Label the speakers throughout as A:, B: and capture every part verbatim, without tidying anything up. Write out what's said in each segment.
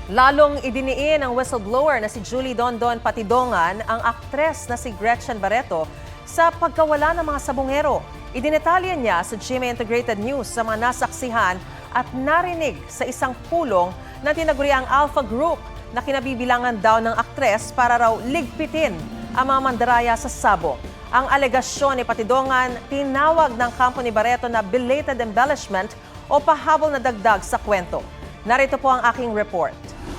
A: Lalong idiniin ng whistleblower na si Julie Dondon Patidongan ang aktres na si Gretchen Barreto sa pagkawala ng mga sabongero. Idinetalya niya sa G M A Integrated News sa mga nasaksihan at narinig sa isang pulong na tinaguriang Alpha Group na kinabibilangan daw ng aktres para raw ligpitin ang mga mandaraya sa sabong. Ang alegasyon ni Patidongan, tinawag ng kampo ni Barreto na belated embellishment o pahabol na dagdag sa kwento. Narito po ang aking report.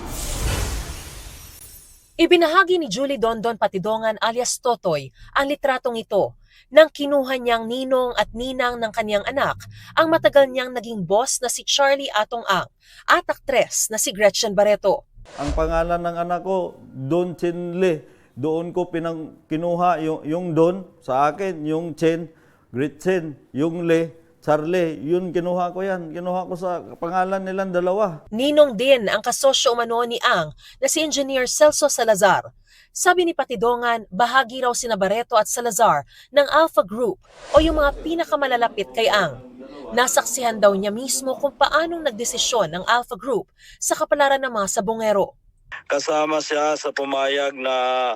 B: Ibinahagi ni Julie Dondon Patidongan alias Totoy ang litratong ito nang kinuha niyang ninong at ninang ng kaniyang anak ang matagal niyang naging boss na si Charlie Atong Ang at aktres na si Gretchen Barreto.
C: Ang pangalan ng anak ko, Don Chen Le. Doon ko pinang kinuha yung, yung Don sa akin, yung Chen, Gretchen, yung Le, Charlie, yun kinuha ko yan. Kinuha ko sa pangalan nilang dalawa.
B: Ninong din ang kasosyo umano ni Ang na si Engineer Celso Salazar. Sabi ni Patidongan, bahagi raw sina Barreto at Salazar ng Alpha Group o yung mga pinakamalalapit kay Ang. Nasaksihan daw niya mismo kung paanong nagdesisyon ng Alpha Group sa kapalaran ng mga sabongero.
D: Kasama siya sa pumayag na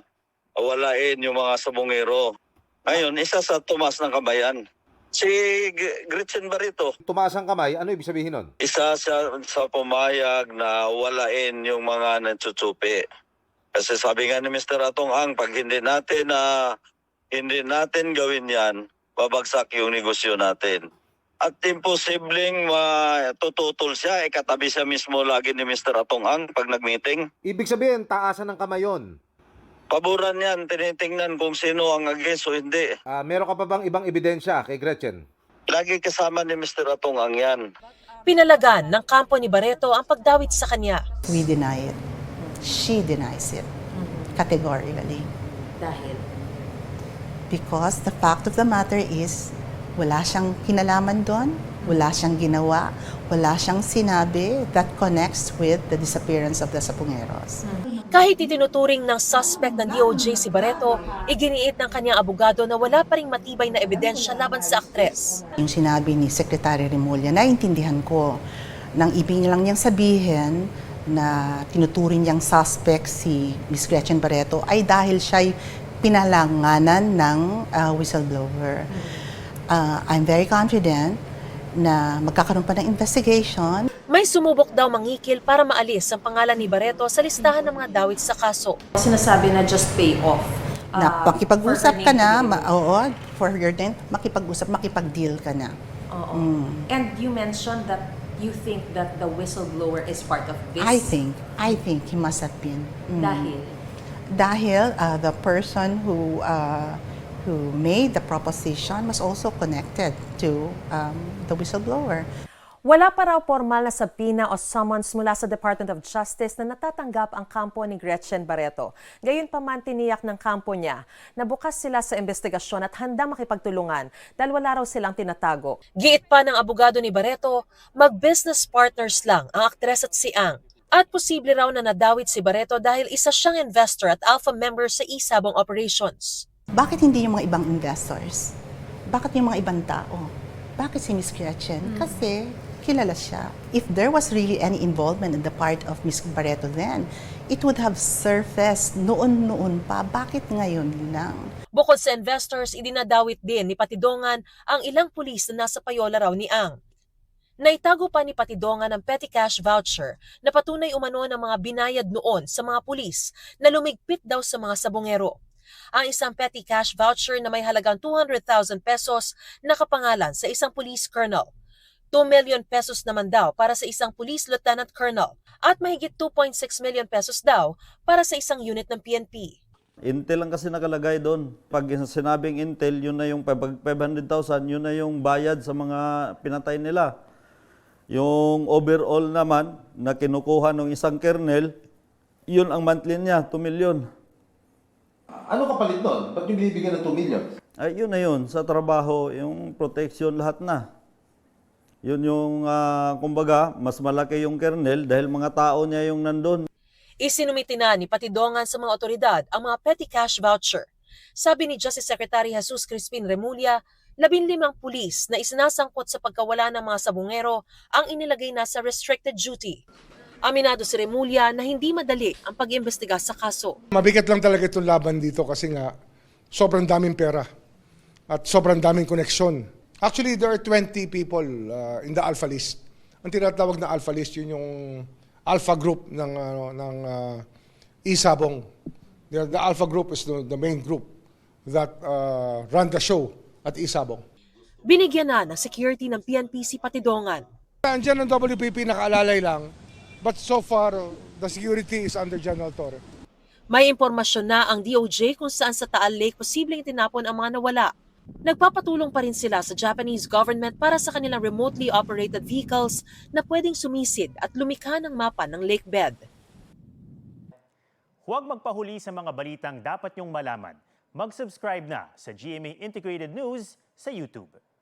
D: walain yung mga sabongero. Ngayon, isa sa tumas ng kabayan. Si Gretchen Barreto,
E: Tumaas ang kamay, ano ibig sabihin nun?
D: isa siya sa pumayag na walain yung mga nagtsutsupi. Kasi sabi nga ni Mister Atong Ang, pag hindi natin na hindi natin gawin yan, babagsak yung negosyo natin. At imposibleng matututol siya, eh, katabi siya mismo lagi ni Mister Atong Ang pag nag-meeting.
E: Ibig sabihin, taasan ng kamay yun.
D: Paboran yan, tinitingnan kung sino ang against o hindi.
E: Ah, meron ka pa bang ibang ebidensya kay Gretchen?
D: Lagi kasama ni Mister Atong Ang yan.
B: Pinalagan ng kampo ni Barreto ang pagdawit sa kanya.
F: We deny it. She denies it. Categorically.
B: Dahil?
F: Because the fact of the matter is, wala siyang kinalaman doon, wala siyang ginawa, wala siyang sinabi that connects with the disappearance of the Sapungeros.
B: Kahit itinuturing ng suspect ng D O J si Barreto, iginiit ng kanyang abogado na wala pa ring matibay na ebidensya laban sa aktres.
F: Yung sinabi ni Secretary Remulla, naiintindihan ko, nang ibig niya lang niyang sabihin na tinuturing niyang suspect si Miss Gretchen Barreto ay dahil siya'y pinalanganan ng uh, whistleblower. Uh, I'm very confident na magkakaroon pa ng investigation.
B: May sumubok daw mangikil para maalis ang pangalan ni Barreto sa listahan ng mga dawit sa kaso.
G: Sinasabi na just pay off.
F: Na
G: uh,
F: makipag-usap
G: for her
F: ka
G: name
F: na,
G: to be
F: ma- oo, for your name, makipag-usap, makipag-deal ka na.
G: Oo.
F: Mm.
G: And you mentioned that you think that the whistleblower is part of this.
F: I think, I think he must have been. Mm.
G: Dahil?
F: Dahil uh, the person who uh, who made the proposition was also connected to um, the whistleblower.
A: Wala pa raw formal na sabina o summons mula sa Department of Justice na natatanggap ang kampo ni Gretchen Barreto. Gayunpaman tiniyak ng kampo niya na bukas sila sa investigasyon at handang makipagtulungan dahil wala raw silang tinatago.
B: Giit pa ng abogado ni Barreto, mag-business partners lang ang aktres at si Ang. At posible raw na nadawit si Barreto dahil isa siyang investor at alpha member sa Isabong operations.
F: Bakit hindi yung mga ibang investors? Bakit yung mga ibang tao? Bakit si Miss Gretchen?
G: Hmm.
F: Kasi kilala siya. If there was really any involvement on the part of Miss Barreto then, it would have surfaced noon-noon pa. Bakit ngayon lang?
B: Bukod sa investors, idinadawit din ni Patidongan ang ilang pulis na nasa payola raw ni Ang. Naitago pa ni Patidongan ang petty cash voucher na patunay umano ng mga binayad noon sa mga pulis na lumigpit daw sa mga sabongero. Ang isang petty cash voucher na may halagang two hundred thousand pesos nakapangalan sa isang police colonel. two million pesos naman daw para sa isang police lieutenant colonel at mahigit two point six million pesos daw para sa isang unit ng P N P.
C: Intel lang kasi nakalagay doon. Pag sinabing Intel, yun na yung five hundred thousand, yun na yung bayad sa mga pinatay nila. Yung overall naman na kinukuha ng isang kernel, yun ang monthly niya, two million.
E: Ano kapalit nun? Ba't yung binibigyan ng two million?
C: Ay, yun na yun. Sa trabaho, yung protection, lahat na. Yun yung, uh, kumbaga, mas malaki yung kernel dahil mga tao niya yung nandun.
B: Isinumiti na ni Patidongan sa mga otoridad ang mga petty cash voucher. Sabi ni Justice Secretary Jesus Crispin Remulla, labing limang pulis na isinasangkot sa pagkawala ng mga sabungero ang inilagay na sa restricted duty. Aminado si Remulla na hindi madali ang pag-imbestiga sa kaso.
H: Mabigat lang talaga itong laban dito kasi nga sobrang daming pera at sobrang daming koneksyon. Actually, there are twenty people uh, in the Alpha List. Ang tinatawag na Alpha List, yun yung Alpha Group ng, uh, ng uh, Isabong. The, the Alpha Group is the, the main group that uh, run the show at Isabong.
B: Binigyan na ng security ng P N P si Patidongan.
H: Andiyan ang W P P nakaalalay lang, but so far, uh, the security is under General Torre.
B: May impormasyon na ang D O J kung saan sa Taal Lake posibleng itinapon ang mga nawala. Nagpapatulong pa rin sila sa Japanese government para sa kanilang remotely operated vehicles na pwedeng sumisid at lumikha ng mapa ng lake bed.
I: Huwag magpahuli sa mga balitang dapat niyong malaman. Mag-subscribe na sa G M A Integrated News sa YouTube.